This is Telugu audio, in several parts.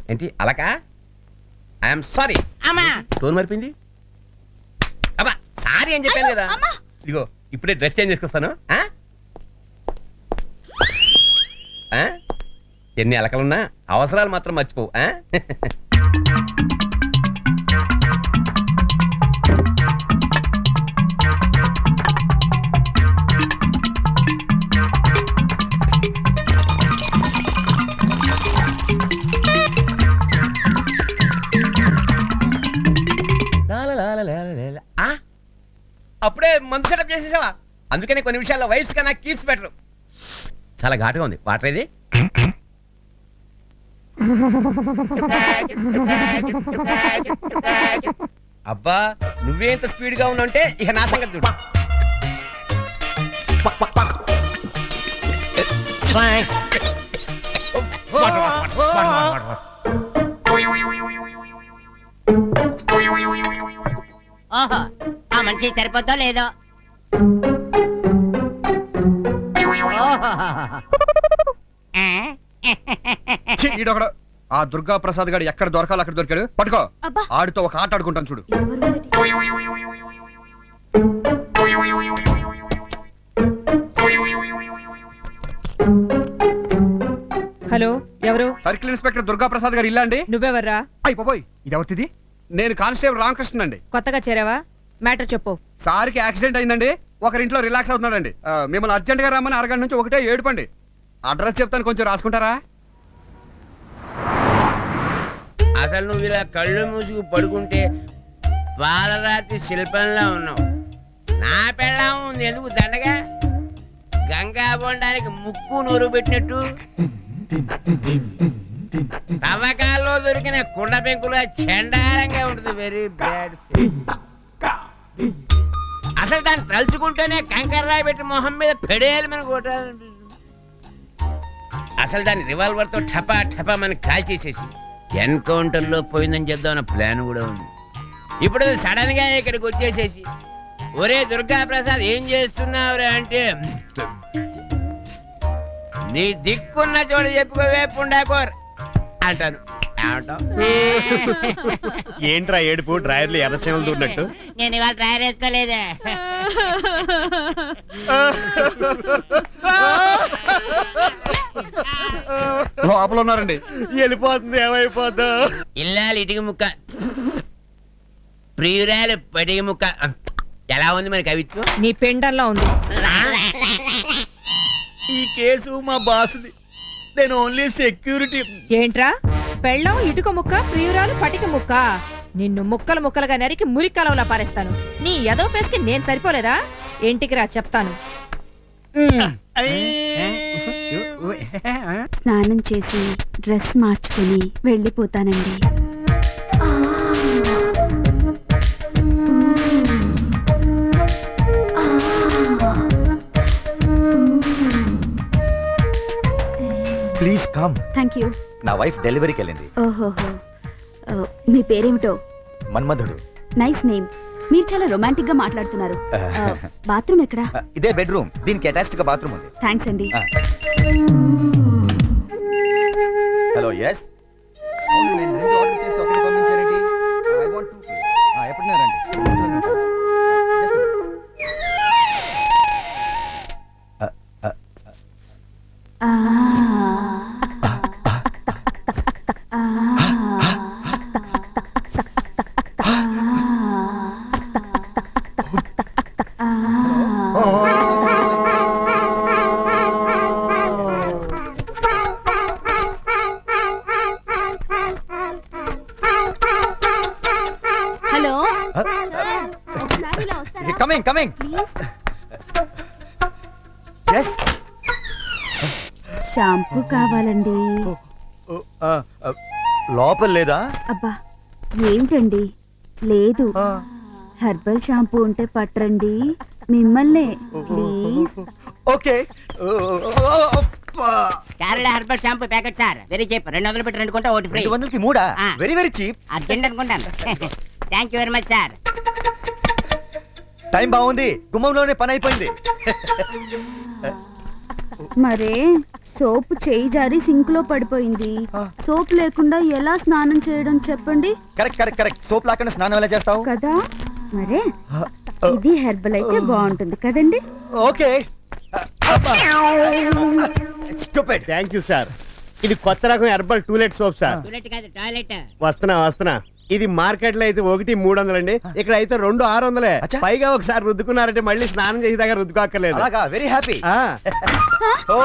ఏంటి అలకా? I'm sorry. టోన్ మరిపింది. అబ్బా సారీ అని చెప్పాను కదా. ఇదిగో ఇప్పుడే డ్రెస్ చేంజ్ చేసుకొస్తాను. ఎన్ని అలకలున్నా అవసరాలు మాత్రం మర్చిపోవు. అప్పుడే మందు సెటప్ చేసేసావా? అందుకనే కొన్ని విషయాల్లో వైఫ్స్ కన్నా కీప్స్ బెటర్. చాలా ఘాటుగా ఉంది. వాటర్ ఇది. అబ్బా నువ్వే ఇంత స్పీడ్ గా ఉన్నావంటే ఇక నా సంగతి చూడు. ఓహో ఆ మంచి సరిపోద్దో లేదో. ఈడొకడు ఆ దుర్గా ప్రసాద్ గారు ఎక్కడ దొరకాలి అక్కడ దొరికాడు. పట్టుకో. ఆడితో ఒక ఆట ఆడుకుంటాను చూడు. హలో ఎవరు? సర్కిల్ ఇన్స్పెక్టర్ దుర్గా ప్రసాద్ గారు ఇల్లా అండి? నువ్వెవర్రా? అయిపోయి ఇది ఎవరిది? నేను కానిస్టేబుల్ రామకృష్ణ అండి. కొత్తగా చేరావా? మ్యాటర్ చెప్పు. సార్కి యాక్సిడెంట్ అయిందండి. ఒకరింట్లో రిలాక్స్ అవుతున్నాడండి. మిమ్మల్ని అర్జెంట్ గా రమ్మని అరగంట నుంచి ఒకటే ఏడుపండి. అడ్రస్ చెప్తాను కొంచెం రాసుకుంటారా? అసలు నువ్వు ఇలా కళ్ళు మూసుకు పడుకుంటే పాలరాతి శిల్పంలా ఉన్నావు. నా పెళ్ళం ఉంది ఎందుకు దండగా? గంగా బొండానికి ముక్కు నూరు పెట్టినట్టు తవ్వకాల్లో దొరికిన కుండ పెంకులా చండాలంగా ఉంటుంది. Very bad. అసలు దాన్ని తలుచుకుంటేనే కంకర్రాయి పెట్టి మొహం మీద పెడేయాలి మన కొట్టాలనిపిస్తుంది. అసలు దాన్ని రివాల్వర్ తో ఠపా ఠపా మనకి కాల్ చేసేసి ఎన్కౌంటర్ లో పోయిందని చెప్దామన్న ప్లాన్ కూడా ఉంది. ఇప్పుడు సడన్ గా ఇక్కడికి వచ్చేసేసి ఒరే దుర్గా ప్రసాద్ ఏం చేస్తున్నావురా అంటే నీ దిక్కున్న చోటు చెప్పుకోవే పుండాకోర్ అంటాను. ఏంట్రా ఏడుపు? డ్రైవర్లు ఎర్రచేమలు దూరినట్టు. నేను ఇవాళ డ్రైవర్ వేసుకోలేదే. లోపల ఉన్నారండి. వెళ్ళిపోతుంది ఏమైపోద్దా? ఇల్లాలి ఇటుక ముక్క ప్రియురాలు పటిక ముక్క. ఎలా ఉంది మరి కవిత్వం? నీ పెండల్లా ఉంది. ఈ కేసు మా బాసుది. నేను ఓన్లీ సెక్యూరిటీ. ఏంట్రా పెళ్ళం ఇటుక ముక్క ప్రియురాలు పటిక ముక్క? నిన్ను ముక్కలు ముక్కలుగా నరికి మురికలవలా పారేస్తాను. నీ ఎదో పేస్కి నేను సరిపోలేదా? ఇంటికి రా చెప్తాను. స్నానం చేసి డ్రెస్ మార్చుకుని వెళ్ళిపోతానండి. Please come. Thank you. నా వైఫ్ డెలివరీకి వెళ్ళింది. ఓహోహో. మీ పేరేమిటో? మన్మధుడు. Nice name. మీరు చాలా రొమాంటిక్ గా మాట్లాడుతున్నారు. బాత్రూమ్ ఎక్కడా? ఇదే బెడ్రూమ్. దీనికి అటాచ్డ్ గా బాత్రూమ్ ఉంది. థ్యాంక్స్ అండి. హలో. ఎస్. నేను రెండు ఆర్డర్ చేస్తే ఒకటి పంపించారేంటి? I want two. ఎప్పుడున్నారండి? Hello. Coming coming. Yes. Shampoo కావాలండి. లోపల లేదా? అబ్బా ఏంటండి లేదు. హెర్బల్ షాంపూ ఉంటే పట్టరండి. మిమ్మల్నే please. Okay. Kerala herbal shampoo packet sir. Very cheap. 200 పెట్టి 2 కొంటే ఒకటి ఫ్రీ. 200కి 3. Very very cheap. అర్జెంట్ అనుకుంటాను. Thank you very much sir. Time బాగుంది. గుమ్మంలోనే పని అయిపోయింది. మరే సోప్ చేయి జారి సింక్ లో పడిపోయింది. సోప్ లేకుండా ఎలా స్నానం చేయడం చెప్పండి కరెక్ట్ సోప్ లేకుండా స్నానం ఎలా చేస్తావు? కదా. మరే ఇది హెర్బల్ అయితే బాగుంటుంది కదండి. Okay. Stupid. Thank you sir. ఇది కొత్త రకం herbal to let soap sir. To let కాదు టాయిలెట్. వస్తున్నా. ఇది మార్కెట్ లో అయితే 1,300 అండి, ఇక్కడ అయితే 2,600. అచ్చా. పైగా ఒకసారి రుద్దుకున్నారంటే మళ్ళీ స్నానం చేసి దగ్గర రుద్దుకోక్కర్లేదు. అలాగా, వెరీ హ్యాపీ. ఆ. ఓ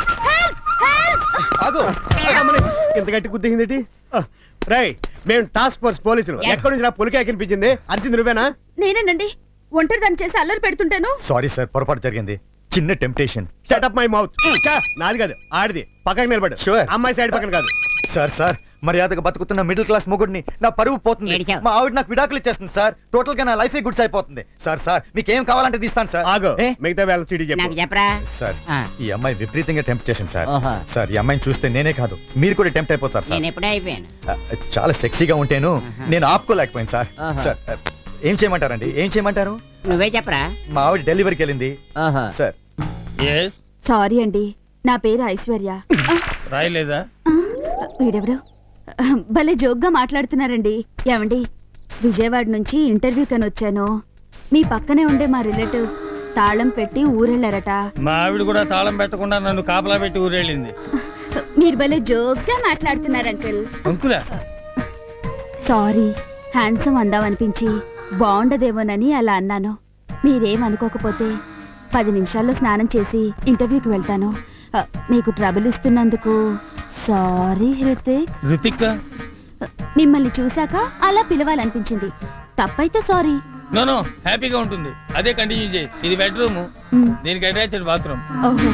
ఆగు. అమ్మని, ఇంత గట్టి గుద్దింది. రై, మేము టాస్క్ ఫోర్స్ పోలీసులు. ఎక్కడి నుంచి నా పులికే కనిపించింది? అరిసింది నువ్వేనా? నేనేనండి ఒంటరి దాన్ని చేసి అల్లరి పెడుతుంటాను. సారీ సార్, పొరపాటు జరిగింది. చిన్న temptation. Shut up my mouth. నాది కాదు, ఆడిది. పక్కకి నిలబడు. Sure. అమ్మాయి సైడ్ పక్కన కాదు. సార్ మర్యాదగా బతుకుతున్న మిడిల్ క్లాస్ మొగుడిని నా పరువు పోతుంది. ఏడిచావు. మా ఆవిడ నాకు విడాకులు ఇచ్చేస్తుంది సార్. టోటల్ గా నా లైఫ్ గుడ్స్ అయిపోతుంది. సార్ మీకేం కావాలంటే తీస్తాను సార్. ఆగో, ఏ? మిగతా వేళ సిటీ నాకు చెప్పు. చెప్పరా. సార్ ఆ. ఈ అమ్మాయి విపరీతంగా టెంప్ట్ చేసింది సార్. ఓహో. సార్ ఈ అమ్మాయిని చూస్తే నేనే కాదు మీరు కూడా టెంప్ట్ అయిపోతారు సార్. నేను ఎప్పుడే అయిపోయాను. చాలా సెక్సీగా ఉంటేను నేను ఆపుకోలేకపోయాను సార్. ఆహా. సార్ ఏం చేయమంటారండి? ఏం చేయమంటారు? నువ్వే చెప్పరా. మా ఆవిడ డెలివరీకి వెళ్ళింది ఓహో. సార్. సారీ అండి, నా పేరు ఐశ్వర్య. రాయలేదా? వీడెవడు భలే జోక్గా మాట్లాడుతున్నారండి. ఏమండి, విజయవాడ నుంచి ఇంటర్వ్యూ కని వచ్చాను. మీ పక్కనే ఉండే మా రిలేటివ్స్ తాళం పెట్టి ఊరెళ్ళారట. మా ఆవిడ కూడా తాళం పెట్టకుండా నన్ను కాపలా పెట్టి ఊరేళ్ళింది. మీరు భలే జోక్గా మాట్లాడుతున్నారు అంకుల్. అంకులా? సారీ, హ్యాండ్సమ్ అందామనిపించి బాగుండదేమోనని అలా అన్నాను. మీరేమనుకోకపోతే 10 నిమిషాల్లో స్నానం చేసి ఇంటర్వ్యూకి వెళ్తాను. మీకు ట్రబుల్ ఇస్తున్నందుకు సారీ హృతిక్. రుతిక్? మిమ్మల్ని చూశాక అలా పిలవాలనిపించింది. తప్పైతే సారీ. నో, హ్యాపీగా ఉంటుంది. అదే కంటిన్యూ చేయి. ఇది బెడ్రూమ్, మ్, దీనికి అటాచ్డ్ బాత్రూమ్. ఓహో.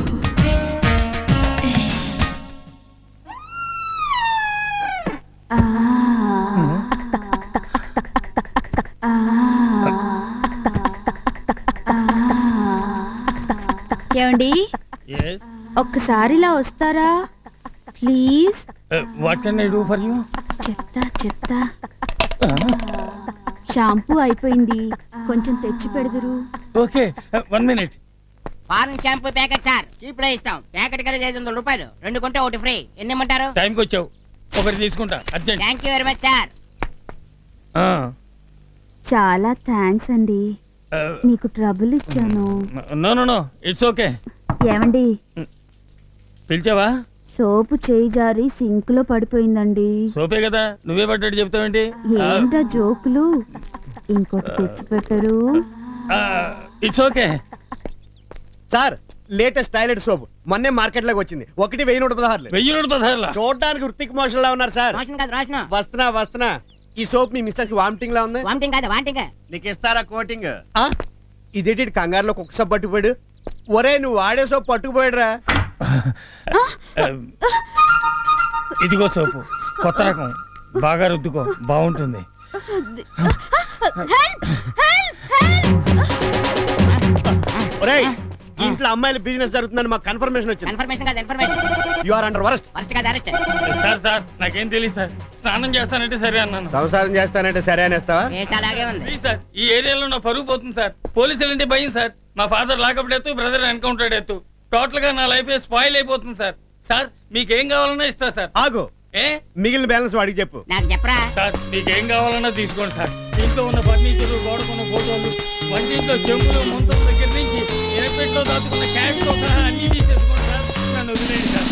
ఆ. ఆ. ఆ. ఏమండి, ఒక్కసారి ఇలా వస్తారా please? What can I do for you? చెప్తా. షాంపూ అయిపోయింది, కొంచెం తెచ్చి పెడదురు. Okay, 1 minute. Foreign shampoo packet sir. Cheap లో ఇస్తాం. ప్యాకెట్ కలిసి 500 రూపాయలు. 2 కొంటే 1 ఫ్రీ. ఎన్ని ఇమ్మంటారు? టైంకి వచ్చావు, ఒకటి తీసుకుంటా urgent. Thank you very much sir. చాలా థ్యాంక్స్ అండి, మీకు ట్రబుల్ ఇచ్చాను. No, it's okay. ఏమండి, పిలిచావా? సోపు చేయి జారి సింక్ లో పడిపోయిందండి. సోపే కదా, నువ్వే పడ్డట్టు చెప్తావేంటి? ఏంటా జోకులు? ఇంకోటి తెచ్చి పెట్టరు. It's okay. Sir, latest toilet soap మొన్నే మార్కెట్ లోకి వచ్చింది. 1,116. 1,116. చూడడానికి ఋతిక్ మోషన్ లా ఉన్నారు సార్. రోషన్ కాదు రోషన్. వస్తున్నా. ఈ సోప్ మీ మిస్సెస్ కి వామిటింగ్ లా ఉంది. వామిటింగ్ కాదు వామిటింగ్. నీకు ఇస్తారా కోటింగ్? ఇదేంటి కంగారులో కుక్క సోప్ పట్టుకుపోయాడు? ఒరే, నువ్వు వాడే సోప్ పట్టుకుపోయాడురా. ఇదిగో సోపు, కొత్త రకం, బాగా రుద్దుకో, బాగుంటుంది. ఒరేయ్, ఇంట్లో అమ్మాయిల బిజినెస్ జరుగుతుందని మాకు కన్ఫర్మేషన్ వచ్చింది. కన్ఫర్మేషన్ కాదు information. You are under arrest. First కాదు అరెస్ట్. సార్ నాకేం తెలియదు సార్. స్నానం చేస్తానంటే సరే అన్నాను. సంసారం చేస్తానంటే సరే అనేస్తావా? కేసు అలాగే ఉంది. ప్లీజ్ సార్, ఈ ఏరియాలో నా పరుగు పోతుంది సార్. పోలీసులు అంటే భయం సార్. మా ఫాదర్ లాకప్ ఎత్తు, బ్రదర్ ఎన్కౌంటర్ ఎత్తు. టోటల్ గా నా లైఫ్ స్పాయిల్ అయిపోతుంది సార్. సార్, మీకేం కావాలన్నా ఇస్తా సార్. ఆగు, ఏ మిగిలిన బ్యాలెన్స్ వాడికి చెప్పు. నాకు చెప్పరా. సార్, మీకేం కావాలన్నా తీసుకోండి సార్. ఇంట్లో ఉన్న ఫర్నిచర్, గోడకున్న ఫోటోలు, వంటింట్లో చెంబులు, ముంతల దగ్గర నుంచి ఎనపెట్లో దాచుకున్న క్యాష్ తో సహా అన్ని తీసేసుకోండి సార్. నన్ను వదిలేయండి సార్.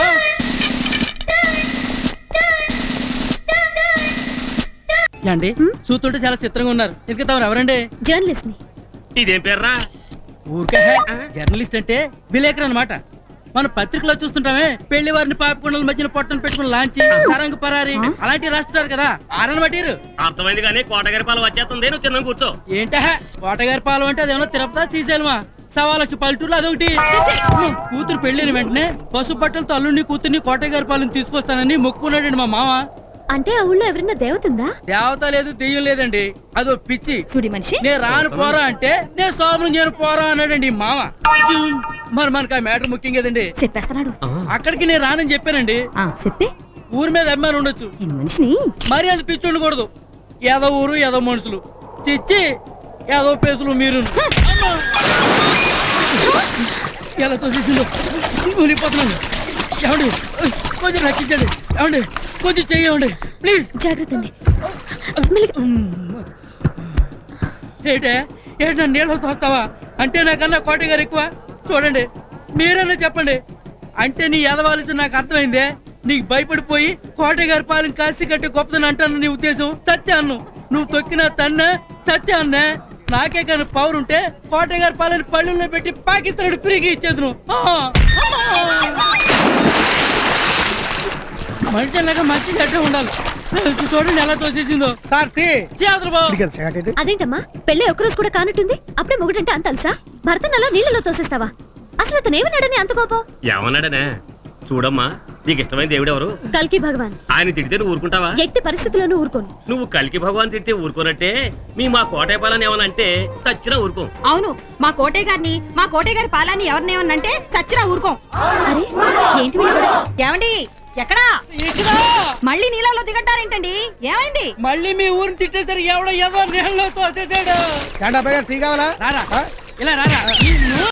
అండి, చూస్తుంటే చాలా చిత్రంగా ఉన్నారు. ఎందుకు తమరు ఎవరండి? జర్నలిస్ట్ ని. ఇదేం పేర్రా? ఊరికే జర్నలిస్ట్ అంటే విలేకరు అన్నమాట. మన పత్రికలో చూస్తుంటామే, పెళ్లి వారిని పాపకొండల మధ్యన పొట్టను పెట్టుకుని లాంచి సరంగు పరారి అలాంటివి రాస్తున్నారు కదా. ఆరని బట్టిరు. అర్థమైంది కానీ కోటగారి పాలు వచ్చేస్తుంది. నువ్వు చిన్న కూర్చో. ఏంటా కోటగారి పాలు అంటే అదేమన్నా తిరుపతి శ్రీశైలమా? 1,15,00,000 పల్లెటూరులో అదొకటి. కూతురు పెళ్లిన వెంటనే పసుపు బట్టలతో అల్లుడిని కూతుర్ని కోటగారి పాలను తీసుకొస్తానని మొక్కున్నాడండి మా మామ. అంటే ఆ ఊళ్ళో ఎవరన్నా దేవతుందా? దేవత లేదు, దెయ్యం లేదండి, అదో పిచ్చి సుడి మనిషి. నేను రాను పోరా అంటే నేను సోమను నేను పోరా అన్నాడండి ఈ మామ. మరి మనకు ఆ మ్యాటర్ ముఖ్యం కదండి. చెప్పేస్తున్నాడు. అక్కడికి నేను రానని చెప్పానండి. చెప్తే ఊరి మీద అభిమానం ఉండొచ్చు, ఈ మనిషిని మరి అది పిచ్చి ఉండకూడదు. ఏదో ఊరు ఏదో మనుషులు, చిచ్చి ఏదో పేసులు మీరు. ఎలా తోసేసిందో మునిగిపోతున్నాను. ఏమండి కొంచెం రక్షించండి. ఏమండి కొంచెం చెయ్యండి ప్లీజ్. జాగ్రత్త అండి. ఏటే నన్ను నీళ్ళతో తోస్తావా? అంటే నాకన్నా కోట గారు ఎక్కువ? చూడండి మీరన్నా చెప్పండి. అంటే నీ ఎదవాల్సి నాకు అర్థమైందే. నీకు భయపడిపోయి కోట గారి పాలన కాసి కట్టి గొప్పదని అంటాను నీ ఉద్దేశం. సత్యాన్ను నువ్వు తొక్కిన తన్న సత్యాన్నే. నాకే కానీ పవర్ ఉంటే కోట గారి పాలన పళ్ళుల్లో పెట్టి పాకిస్తాన్ ఫ్రీగా ఇచ్చేది. మనిషి అన్నాక మంచి చెడ్డ ఉండాలి. చూడండి ఎలా తోసేసిందో. సార్ అదేంటమ్మా పెళ్ళి ఒక్కరోజు కూడా కానట్టుంది, అప్పుడే మొగుడంటే అంత అలుసా? భర్తను అలా నీళ్ళలో తోసేస్తావా? అసలు అతను ఏమన్నాడని అంత కోపం? ఏమన్నాడనే చూడమ్మా, నీకు ఇష్టమైన దేవుడు ఎవరు? కల్కి భగవాన్. ఆయన తిడితే నువ్వు ఊరుకుంటావా? ఎట్టి పరిస్థితుల్లోనూ ఊరుకోను. నువ్వు కల్కి భగవాన్ తిడితే ఊరుకోనట్టే మా కోటయ్య పాలని ఏమనంటే చచ్చినా ఊరుకోం. అవును, మా కోటయ్య గారి పాలాన్ని ఎవరినేమన్నంటే సచ్చినా ఊరుకోం. అరే ఏంటి వీళ్ళు కూడా? ఏమండి ఎక్కడా? మళ్ళీ నీళ్ళలో దిగట్టారేంటండి? ఏమైంది? మళ్ళీ మీ ఊరిని తిట్టేసరికి ఎవడో ఏదో నీళ్ళలో తోసేసాడు. టీ కావాలా? రారా ఇలా రారా.